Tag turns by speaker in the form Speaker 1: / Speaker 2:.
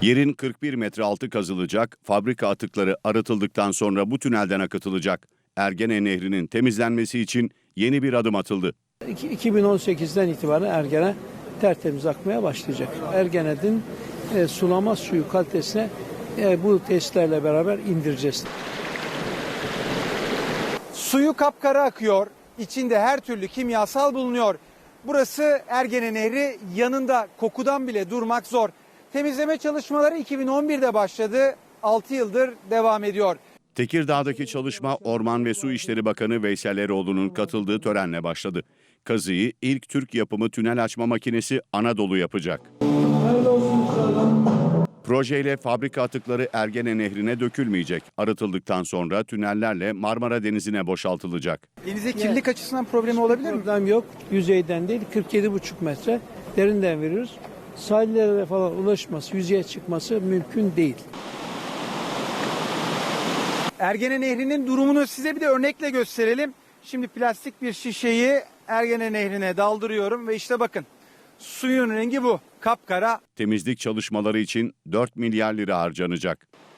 Speaker 1: Yerin 41 metre altı kazılacak, fabrika atıkları arıtıldıktan sonra bu tünelden akıtılacak. Ergene Nehri'nin temizlenmesi için yeni bir adım atıldı.
Speaker 2: 2018'den itibaren Ergene tertemiz akmaya başlayacak. Ergene'nin sulama suyu kalitesine bu testlerle beraber indireceğiz.
Speaker 3: Suyu kapkara akıyor, içinde her türlü kimyasal bulunuyor. Burası Ergene Nehri, yanında kokudan bile durmak zor. Temizleme çalışmaları 2011'de başladı, 6 yıldır devam ediyor.
Speaker 1: Tekirdağ'daki çalışma Orman ve Su İşleri Bakanı Veysel Eroğlu'nun katıldığı törenle başladı. Kazıyı ilk Türk yapımı tünel açma makinesi Anadolu yapacak. Projeyle fabrika atıkları Ergene Nehri'ne dökülmeyecek. Arıtıldıktan sonra tünellerle Marmara Denizi'ne boşaltılacak.
Speaker 3: Denize kirlilik açısından problemi olabilir mi?
Speaker 2: Problem yok. Yüzeyden değil, 47,5 metre derinden veriyoruz. Sahillere falan ulaşması, yüzeye çıkması mümkün değil.
Speaker 3: Ergene Nehri'nin durumunu size bir de örnekle gösterelim. Şimdi plastik bir şişeyi Ergene Nehri'ne daldırıyorum ve işte bakın. Suyun rengi bu, kapkara.
Speaker 1: Temizlik çalışmaları için 4 milyar lira harcanacak.